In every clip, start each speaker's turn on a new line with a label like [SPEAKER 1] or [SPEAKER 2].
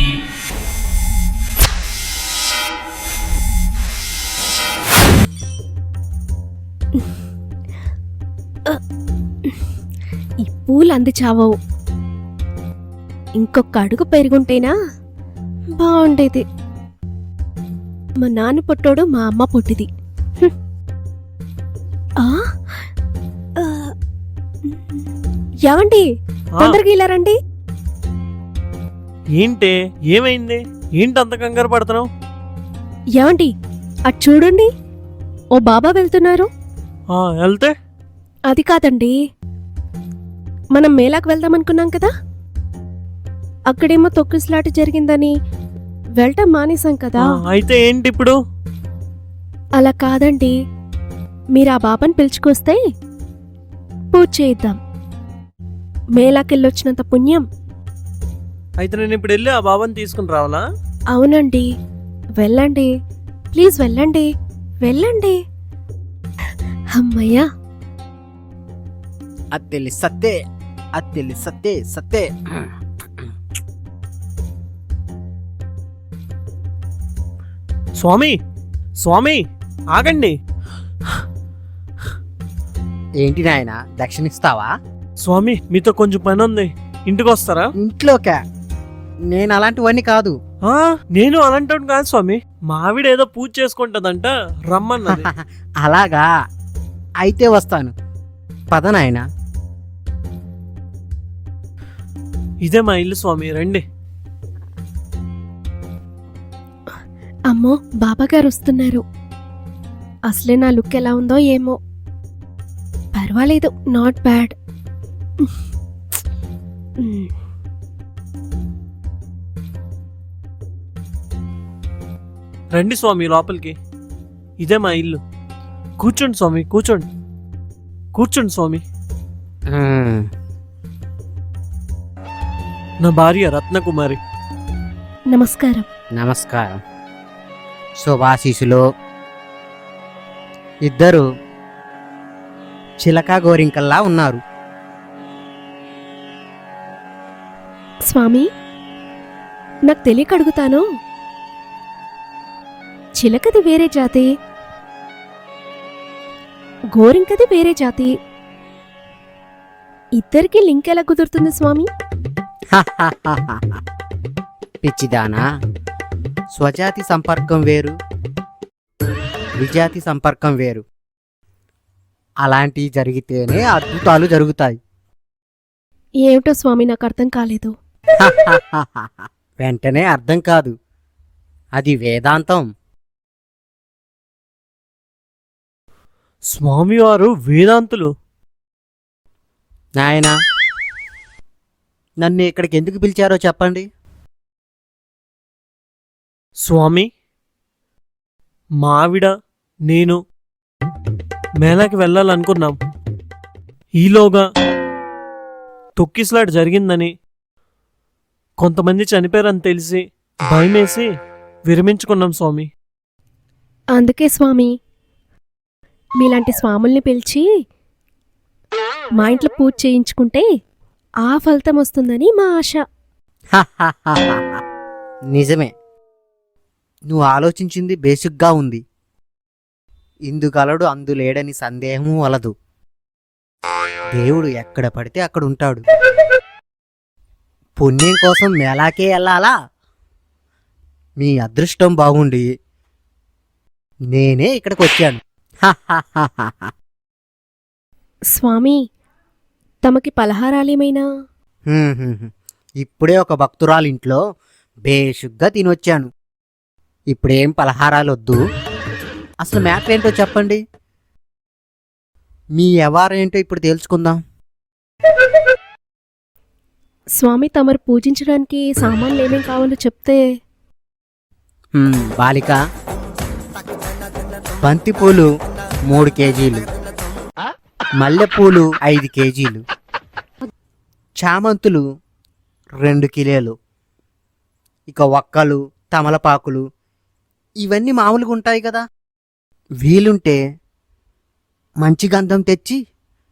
[SPEAKER 1] ఈ పూలు అంది చావవు. ఇంకొక అడుగు పెరుగుంటేనా బాగుండేది. మా నాన్న పుట్టోడు, మా అమ్మ పుట్టిది. ఏమండి, తొందరగా ఇలా రండి.
[SPEAKER 2] ఏంటే, ఏమైంది? ఏంటి అంత కంగారు పడుతున్నావు?
[SPEAKER 1] ఏమండి, అటు చూడండి, ఓ బాబా వెళ్తున్నారు.
[SPEAKER 2] వెళ్తే?
[SPEAKER 1] అది కాదండి, మనం మేళాకు వెళ్దామనుకున్నాం కదా, అక్కడేమో తొక్కిసలాట జరిగిందని వెళ్ళటం మానేశాం కదా.
[SPEAKER 2] అయితే ఏంటి ఇప్పుడు?
[SPEAKER 1] అలా కాదండి, మీరు ఆ బాబాని పిలుచుకొస్తే పూజ చేయిద్దాం. మేళాకెళ్ళొచ్చినంత పుణ్యం.
[SPEAKER 2] అయితే నేను ఇప్పుడు వెళ్ళి ఆ బాబాని తీసుకుని రావాలా?
[SPEAKER 1] అవునండి, వెళ్ళండి, ప్లీజ్ వెళ్ళండి, వెళ్ళండి. అమ్మయ్యా.
[SPEAKER 3] అత్తెలి సత్తే, అత్తెలి సత్తే సత్తే.
[SPEAKER 2] స్వామి, స్వామి, ఆగండి.
[SPEAKER 3] ఏంటి నాయన, దక్షిణిస్తావా?
[SPEAKER 2] స్వామి, మీతో కొంచెం పని ఉంది, ఇంటికి వస్తారా?
[SPEAKER 3] ఇంట్లోకా? నేను అలాంటివన్నీ కాదు.
[SPEAKER 2] నేను అలాంటి కాదు స్వామి, మా ఆవిడ ఏదో పూజ చేసుకుంటదంట, రమ్మన్నది.
[SPEAKER 3] అలాగా, అయితే వస్తాను. పద నాయన.
[SPEAKER 2] ఇదే మా ఇల్లు స్వామి, రండి.
[SPEAKER 1] అమ్మో, బాబాగారు వస్తున్నారు. అసలే నా లుక్ ఎలా ఉందో ఏమో. పర్వాలేదు, నాట్ బ్యాడ్.
[SPEAKER 2] రండి స్వామి లోపలికి, ఇదే మా ఇల్లు. కూర్చోండి స్వామి, కూర్చోండి, కూర్చోండి స్వామి. నా భార్య రత్నకుమారి.
[SPEAKER 1] నమస్కారం.
[SPEAKER 3] నమస్కారం. శుభాశీసులు. ఇద్దరు చిలకా గోరింకల్లా ఉన్నారు.
[SPEAKER 1] స్వామి, నాకు తెలియక అడుగుతాను, చిలకది వేరే జాతి, గోరింకది వేరే జాతి, ఇద్దరికి లింక్ ఎలా కుదురుతుంది స్వామి?
[SPEAKER 3] పిచ్చిదానా, స్వజాతి సంపర్కం వేరు, విజాతి సంపర్కం వేరు. అలాంటివి జరిగితేనే అద్భుతాలు జరుగుతాయి.
[SPEAKER 1] ఏమిటో స్వామి, నాకు అర్థం కాలేదు.
[SPEAKER 3] వెంటనే అర్థం కాదు, అది వేదాంతం.
[SPEAKER 2] స్వామివారు వేదాంతులు?
[SPEAKER 3] నాయనా, నన్ను ఇక్కడికి ఎందుకు పిలిచారో చెప్పండి.
[SPEAKER 2] స్వామి, మా ఆవిడ నేను మేళాకి వెళ్ళాలనుకున్నాం. ఈలోగా తొక్కిసలాట జరిగిందని, కొంతమంది చనిపోయారని తెలిసి భయమేసి విరమించుకున్నాం స్వామి.
[SPEAKER 1] అందుకే స్వామి, మీలాంటి స్వాముల్ని పిలిచి మా ఇంట్లో పూజ చేయించుకుంటే ఆ ఫలితం వస్తుందని మా ఆశ.
[SPEAKER 3] నిజమే, నువ్వు ఆలోచించింది బేసిక్గా ఉంది. ఇందుగలడు అందులేడని సందేహము వలదు. దేవుడు ఎక్కడ పడితే అక్కడ ఉంటాడు. పుణ్యం కోసం మేళాకే వెళ్ళాలా? మీ అదృష్టం బాగుండి నేనే ఇక్కడికి వచ్చాను.
[SPEAKER 1] స్వామి, తమకి పలహారాలేమైనా?
[SPEAKER 3] ఇప్పుడే ఒక భక్తురాలింట్లో బేషుగ్గా తినొచ్చాను. ఇప్పుడేం పలహారాలొద్దు. అసలు మ్యాటర్ ఏంటో చెప్పండి. మీ ఎవరేంటో ఇప్పుడు తెలుసుకుందాం.
[SPEAKER 1] స్వామి, తమరు పూజించడానికి సామాన్లు ఏమేం కావాలో చెప్తే.
[SPEAKER 3] బాలిక, బంతిపూలు 3 కేజీలు, మల్లెపూలు 5 కేజీలు, చామంతులు 2 కిలోలు, ఇక ఒక్కలు, తమలపాకులు ఇవన్నీ మామూలుగా ఉంటాయి కదా. వీలుంటే మంచి గంధం తెచ్చి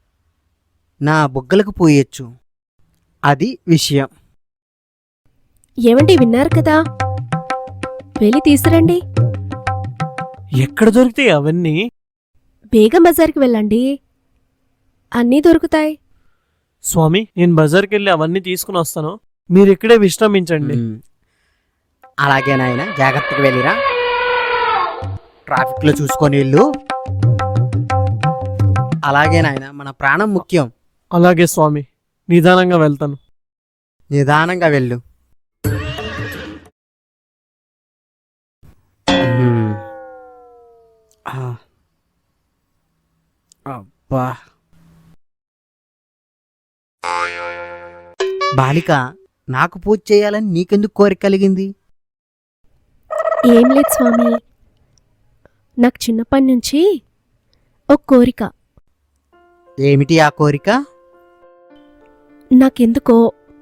[SPEAKER 3] నా బుగ్గలకు పోయొచ్చు. అది విషయం.
[SPEAKER 1] ఏమండి విన్నారు కదా, వెళ్ళి తీసురండి.
[SPEAKER 2] ఎక్కడ దొరికితాయి అవన్నీ?
[SPEAKER 1] బేగం బజార్కి వెళ్ళండి, అన్నీ దొరుకుతాయి.
[SPEAKER 2] స్వామి, నేను బజార్కి వెళ్ళి అవన్నీ తీసుకుని వస్తాను, మీరు ఇక్కడే విశ్రమించండి.
[SPEAKER 3] అలాగే నాయన, జాగ్రత్తగా వెళ్ళిరా. ట్రాఫిక్లో చూసుకొని వెళ్ళు. అలాగే నాయన, మన ప్రాణం ముఖ్యం.
[SPEAKER 2] అలాగే స్వామి, నిదానంగా వెళ్తాను.
[SPEAKER 3] నిదానంగా వెళ్ళు. అబ్బా. బాలిక, నాకు పూజ చేయాలని నీకెందుకు కోరిక కలిగింది?
[SPEAKER 1] ఏం లేదు స్వామి, నాకు చిన్నప్పటి నుంచి ఒక కోరిక.
[SPEAKER 3] ఏమిటి ఆ కోరిక?
[SPEAKER 1] నాకెందుకో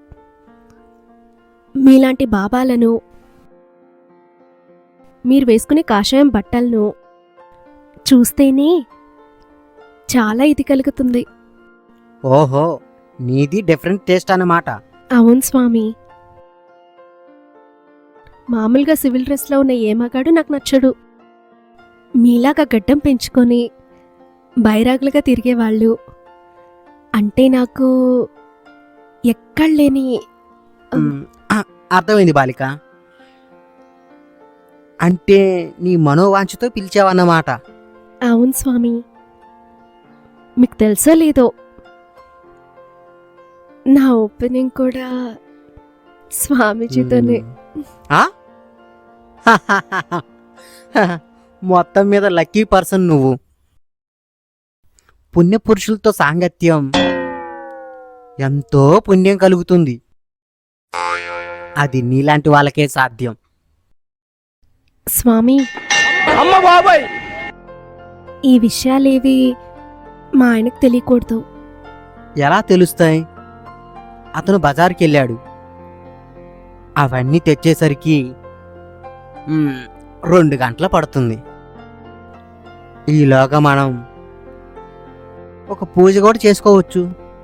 [SPEAKER 1] మీలాంటి బాబాలను, మీరు వేసుకునే కాషాయం బట్టలను చూస్తేనే చాలా ఇది కలుగుతుంది.
[SPEAKER 3] ఓహో, నీది డిఫరెంట్ టేస్ట్ అన్నమాట.
[SPEAKER 1] అవును స్వామి, మామూలుగా సివిల్ డ్రెస్లో ఉన్న ఏ మగాడు నాకు నచ్చడు. మీలాగా గడ్డం పెంచుకొని బైరాగులుగా తిరిగేవాళ్ళు అంటే నాకు ఎక్కడలేని.
[SPEAKER 3] అర్థమైంది బాలిక, అంటే నీ మనోవాంఛతో పిలిచావన్నమాట.
[SPEAKER 1] అవును స్వామి, మీకు తెలుసో లేదో, నా ఓపెనింగ్ కూడా స్వామీజీతోనే.
[SPEAKER 3] ఆ? మొత్తం మీద లక్కీ పర్సన్ నువ్వు. పుణ్యపురుషులతో సాంగత్యం ఎంతో పుణ్యం కలుగుతుంది. అది నీలాంటి వాళ్ళకే సాధ్యం.
[SPEAKER 1] స్వామి, ఈ విషయాలేవి మా ఆయనకు తెలియకూడదు.
[SPEAKER 3] ఎలా తెలుస్తాయి? అతను బజార్కి వెళ్ళాడు, అవన్నీ తెచ్చేసరికి 2 గంటలు పడుతుంది. ఈలోగా మనం ఒక పూజ కూడా చేసుకోవచ్చు.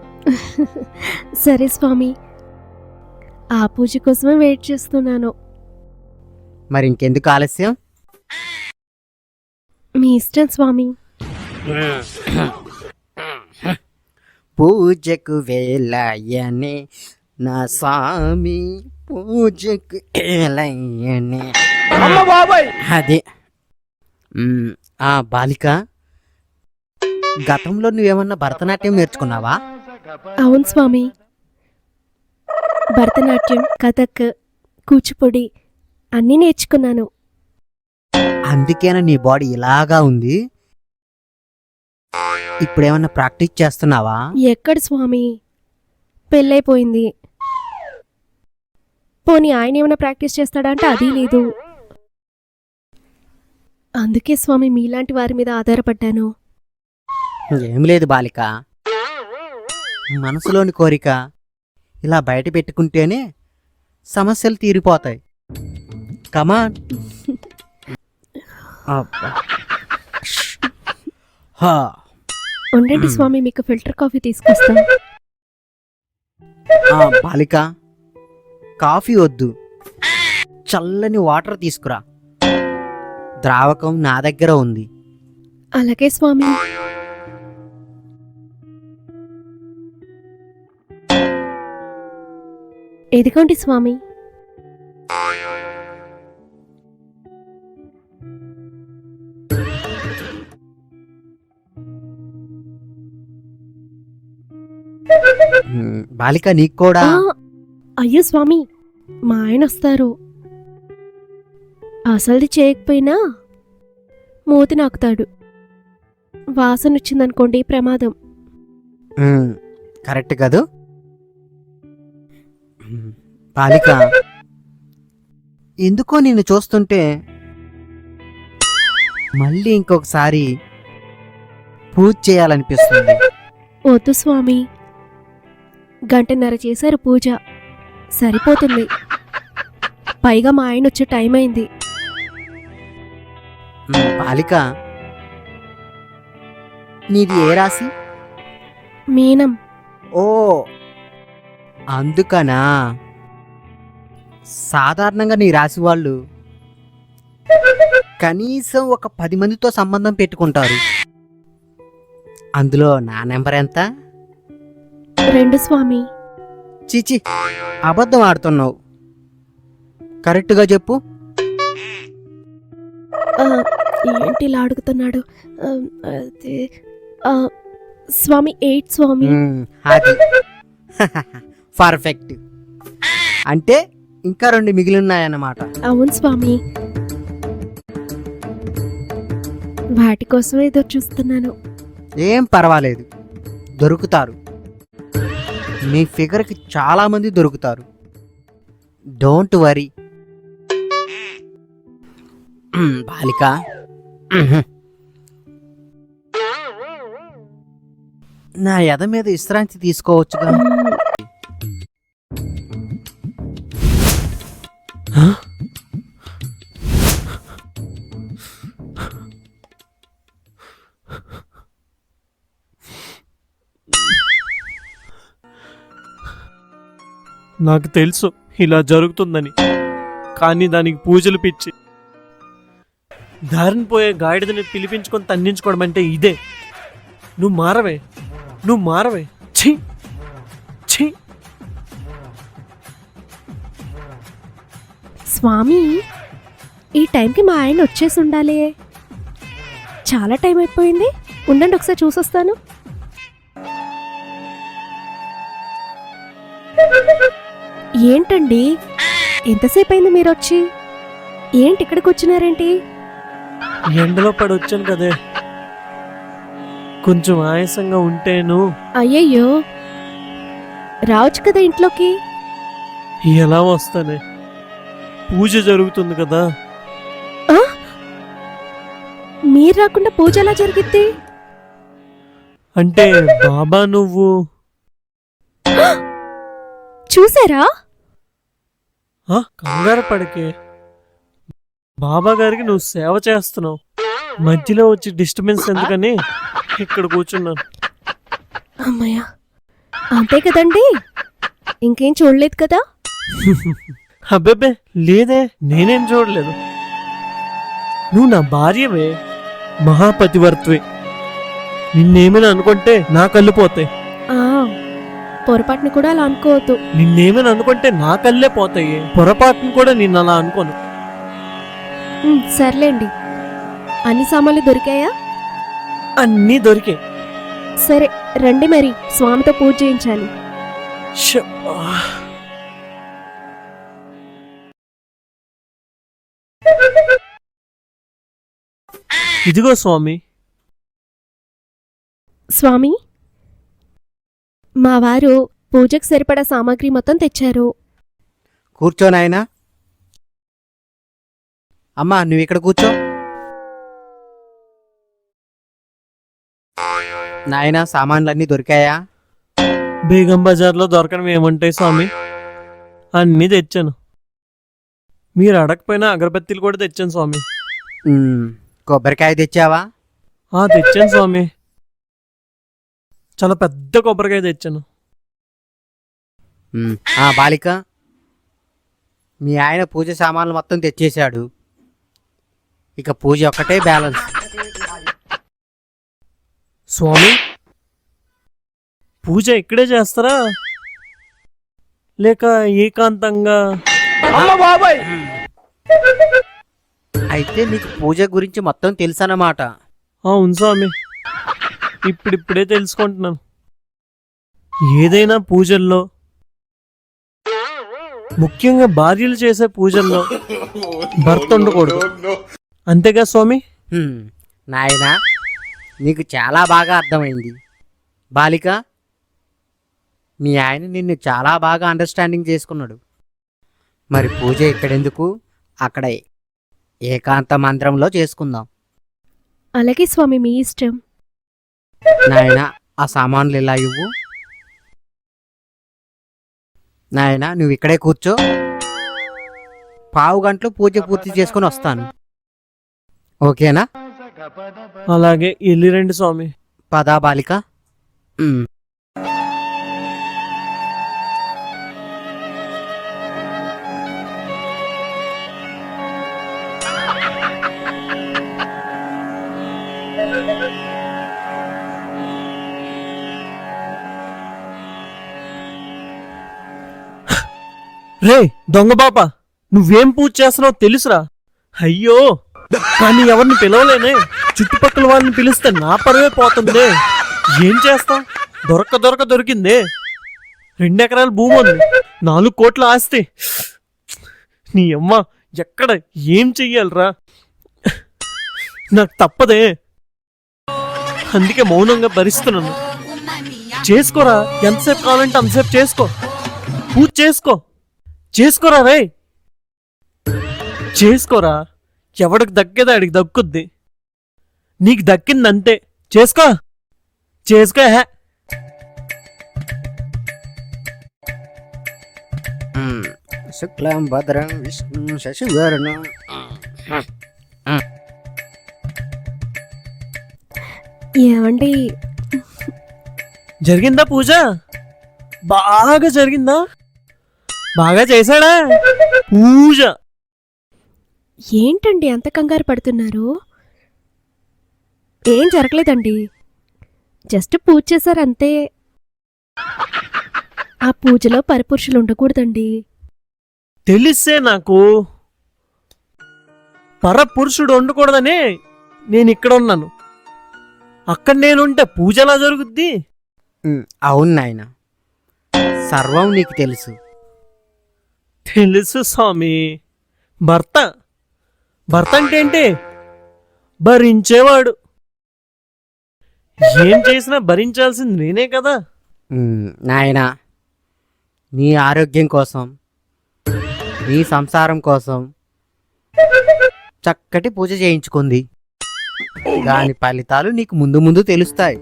[SPEAKER 1] సరే స్వామి, ఆ పూజ కోసమే వెయిట్ చేస్తున్నాను.
[SPEAKER 3] మరి ఇంకెందుకు ఆలస్యం?
[SPEAKER 1] మీ ఇష్టం స్వామి.
[SPEAKER 3] పూజకు వేళయనే నా స్వామి, పూజకు వేళయనే. అదే. బాలిక, గతంలో నువ్వేమన్నా భరతనాట్యం నేర్చుకున్నావా?
[SPEAKER 1] అవును స్వామి, భరతనాట్యం, కథక్, కూచిపూడి అన్నీ నేర్చుకున్నాను.
[SPEAKER 3] అందుకేనా నీ బాడీ ఇలాగా ఉంది? ఇప్పుడేమన్నా ప్రాక్టీస్ చేస్తున్నావా?
[SPEAKER 1] ఎక్కడ స్వామి, పెళ్ళైపోయింది. పోనీ ఆయన ఏమైనా ప్రాక్టీస్ చేస్తాడా అంటే అది లేదు. అందుకే స్వామి మీలాంటి వారి మీద ఆధారపడ్డాను.
[SPEAKER 3] ఏం లేదు బాలిక, మనసులోని కోరిక ఇలా బయట పెట్టుకుంటేనే సమస్యలు తీరిపోతాయి. కమాన్.
[SPEAKER 1] ఉండండి స్వామి, మీకు ఫిల్టర్ కాఫీ తీసుకొస్తా.
[SPEAKER 3] బాలిక, కాఫీ వద్దు, చల్లని వాటర్ తీసుకురా. ద్రావకం నా దగ్గర ఉంది.
[SPEAKER 1] అలాగే స్వామి. ఎదిగోండి స్వామి.
[SPEAKER 3] బాలిక, నీకు కూడా.
[SPEAKER 1] అయ్యో స్వామి, మా ఆయన వస్తారు. అసలుది చేయకపోయినా మూతి నాకుతాడు. వాసన వచ్చిందనుకోండి ప్రమాదం.
[SPEAKER 3] కరెక్ట్ కదూ? బాలిక, ఎందుకో నిన్ను చూస్తుంటే మళ్ళీ ఇంకొకసారి పూజ చేయాలనిపిస్తుంది.
[SPEAKER 1] వద్దు స్వామి, 1.5 గంట చేశారు పూజ, సరిపోతుంది. పైగా మా ఆయన వచ్చే టైం అయింది.
[SPEAKER 3] బాలిక, నీది ఏ రాశి?
[SPEAKER 1] మీనం.
[SPEAKER 3] ఓ, అందుకనా? సాధారణంగా నీ రాశి వాళ్ళు కనీసం ఒక 10 మందితో సంబంధం పెట్టుకుంటారు. అందులో నా నెంబర్ ఎంత?
[SPEAKER 1] 2 స్వామి.
[SPEAKER 3] చిచి, అబద్ధం ఆడుతున్నావు. కరెక్ట్గా చెప్పు.
[SPEAKER 1] ఆ, ఏంటి ఇలా అడుగుతున్నాడు? ఆ, అది, ఆ, స్వామి 8 స్వామి.
[SPEAKER 3] అది పర్ఫెక్ట్. అంటే ఇంకా 2 మిగిలి ఉన్నాయన్నమాట.
[SPEAKER 1] అవును స్వామి, వాటి కోసం ఏదో చూస్తున్నాను.
[SPEAKER 3] ఏం పర్వాలేదు, దొరుకుతారు. మీ ఫిగర్కి చాలా మంది దొరుకుతారు. Don't worry. బాలిక, నా ఎద మీద విశ్రాంతి తీసుకోవచ్చుగా.
[SPEAKER 2] నాకు తెలుసు ఇలా జరుగుతుందని, కానీ దానికి పూజలు పిచ్చి. దారిని పోయే గాడిదని పిలిపించుకొని తన్నించుకోవడం అంటే ఇదే. నువ్వు మారవే. ఛీ ఛీ.
[SPEAKER 1] స్వామి, ఈ టైంకి మా ఆయన వచ్చేసి ఉండాలి. చాలా టైం అయిపోయింది. ఉండండి, ఒకసారి చూసొస్తాను. ఏంటండి, ఎంతసేపు అయింది మీరు వచ్చి? ఏంటి ఇక్కడికి వచ్చినారేంటి?
[SPEAKER 2] ఎండలో పడి వచ్చాను కదే, కొంచెం ఆయాసంగా ఉంటేను.
[SPEAKER 1] అయ్యయ్యో, రావచ్చు కదా ఇంట్లోకి.
[SPEAKER 2] ఎలా వస్తానే, పూజ జరుగుతుంది కదా.
[SPEAKER 1] ఆ? మీరు రాకుండా పూజ ఎలా జరిగిద్ది?
[SPEAKER 2] అంటే బాబా నువ్వు
[SPEAKER 1] చూసారా?
[SPEAKER 2] కంగారు పడకే, బాబా గారికి నువ్వు సేవ చేస్తున్నావు. మధ్యలో వచ్చి డిస్టర్బెన్స్ ఎందుకని ఇక్కడ కూర్చున్నాను.
[SPEAKER 1] అమ్మయ్య, అంతే కదండి, ఇంకేం చూడలేదు కదా?
[SPEAKER 2] అబ్బెబ్బే లేదే, నేనేం చూడలేదు. నువ్వు నా భార్యవే, మహాపతివర్త్వే. నిన్నేమైనా అనుకుంటే నా కళ్ళు పోతాయి.
[SPEAKER 1] ఆ, పొరపాటుని కూడా అలా అనుకోవద్దు.
[SPEAKER 2] నిన్నేమైనా అనుకుంటే నా కళ్ళే పోతాయి. పొరపాటును కూడా నిన్ను అలా అనుకోను.
[SPEAKER 1] సర్లేండి, అన్ని సామాన్లు దొరికాయా?
[SPEAKER 2] అన్నీ దొరికాయి.
[SPEAKER 1] సరే రండి, మరి స్వామితో పూజ చేయించాలి.
[SPEAKER 2] ఇదిగో స్వామి.
[SPEAKER 1] స్వామి, మా వారు పూజకు సరిపడా సామాగ్రి మొత్తం తెచ్చారు.
[SPEAKER 3] కూర్చో నాయనా. అమ్మా, నువ్వు ఇక్కడ కూర్చో. నాయనా, సామాన్లన్నీ దొరికాయా?
[SPEAKER 2] బేగం బజార్లో దొరకడం ఏముంటాయి స్వామి, అన్నీ తెచ్చాను. మీరు అడగపోయినా అగరబత్తీలు కూడా తెచ్చాను స్వామి.
[SPEAKER 3] కొబ్బరికాయ తెచ్చావా?
[SPEAKER 2] తెచ్చాను స్వామి, చాలా పెద్ద కొబ్బరికాయ తెచ్చాను.
[SPEAKER 3] బాలిక, మీ ఆయన పూజ సామాన్లు మొత్తం తెచ్చేశాడు. ఇక పూజ ఒక్కటే బ్యాలెన్స్.
[SPEAKER 2] స్వామి, పూజ ఇక్కడే చేస్తారా లేక ఏకాంతంగా?
[SPEAKER 3] అయితే నీకు పూజ గురించి మొత్తం తెలుసన్నమాట.
[SPEAKER 2] అవును స్వామి, ఇప్పుడిప్పుడే తెలుసుకుంటున్నాను. ఏదైనా పూజల్లో, ముఖ్యంగా భార్యలు చేసే పూజల్లో భర్త ఉండకూడదు, అంతేగా స్వామి?
[SPEAKER 3] నాయనా, నీకు చాలా బాగా అర్థమైంది. బాలిక, మీ ఆయన నిన్ను చాలా బాగా అండర్స్టాండింగ్ చేసుకున్నాడు. మరి పూజ ఇక్కడెందుకు, అక్కడ ఏకాంత మంత్రంలో చేసుకుందాం.
[SPEAKER 1] అలాగే స్వామి, మీ ఇష్టం.
[SPEAKER 3] నాయనా, ఆ సామాన్లు ఇలా ఇవ్వు. నాయనా, నువ్వు ఇక్కడే కూర్చో. పావు గంటలో పూజ పూర్తి చేసుకుని వస్తాను. ఓకేనా?
[SPEAKER 2] అలాగే, వెళ్ళి రండి స్వామి.
[SPEAKER 3] పదా బాలిక.
[SPEAKER 2] రే దొంగ బాపా, నువ్వేం పూజ చేస్తున్నావో తెలుసురా. అయ్యో, కానీ ఎవరిని పిలవలేనే. చుట్టుపక్కల వాళ్ళని పిలిస్తే నా పరువే పోతుంది. ఏం చేస్తాం, దొరికిందే. 2 ఎకరాల భూమి ఉంది, 4 కోట్ల ఆస్తి. నీ అమ్మ, ఎక్కడ ఏం చెయ్యాలరా? నాకు తప్పదే, అందుకే మౌనంగా భరిస్తున్నాను. చేసుకోరా, ఎంతసేపు కావాలంటే అంతసేపు చేసుకో. పూజ చేసుకోరా రే, చేసుకోరా. ఎవడికి దక్కేది ఆడికి దక్కుద్ది. నీకు దక్కిందంతే, చేసుకో. హే.
[SPEAKER 3] శుక్లాం భద్రం విష్ణు శశివర్ణం.
[SPEAKER 1] ఏమండి,
[SPEAKER 2] జరిగిందా పూజ? బాగా జరిగిందా? బాగా చేశాడా పూజ?
[SPEAKER 1] ఏంటండి అంత కంగారు పడుతున్నారు? ఏం జరగలేదండి, జస్ట్ పూజ చేశారంతే. ఆ పూజలో పరపురుషులు ఉండకూడదండి.
[SPEAKER 2] తెలిసే నాకు పరపురుషుడు ఉండకూడదనే నేను ఇక్కడ ఉన్నాను. అక్కడ నేనుంటే పూజ ఎలా జరుగుద్ది?
[SPEAKER 3] అవును నాయన, సర్వం నీకు తెలుసు.
[SPEAKER 2] తెలుసు స్వామి. భర్త అంటే ఏంటి? భరించేవాడు. ఏం చేసినా భరించాల్సింది నేనే కదా.
[SPEAKER 3] నాయన, నీ ఆరోగ్యం కోసం, నీ సంసారం కోసం చక్కటి పూజ చేయించుకుంది. దాని ఫలితాలు నీకు ముందు ముందు తెలుస్తాయి.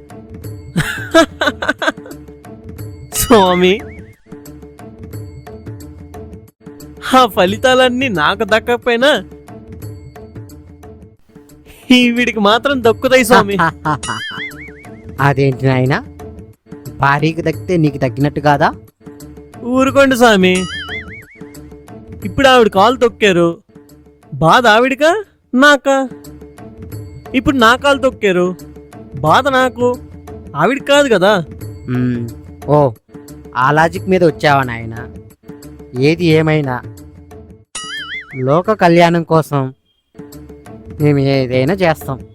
[SPEAKER 2] స్వామి, ఆ ఫలితాలన్నీ నాకు దక్కకపోయినా వీడికి మాత్రం దక్కుతాయి స్వామి.
[SPEAKER 3] అదేంటి నాయన, భార్యకి దక్కితే నీకు తగ్గినట్టు కాదా?
[SPEAKER 2] ఊరుకోండి స్వామి. ఇప్పుడు ఆవిడ కాలు తొక్కారు, బాధ ఆవిడికా నాకా? ఇప్పుడు నా కాలు తొక్కారు, బాధ నాకు, ఆవిడికి కాదు కదా.
[SPEAKER 3] ఓ, ఆ లాజిక్ మీద వచ్చావా నాయన? ఏది ఏమైనా లోక కళ్యాణం కోసం మేము ఏదైనా చేస్తాం.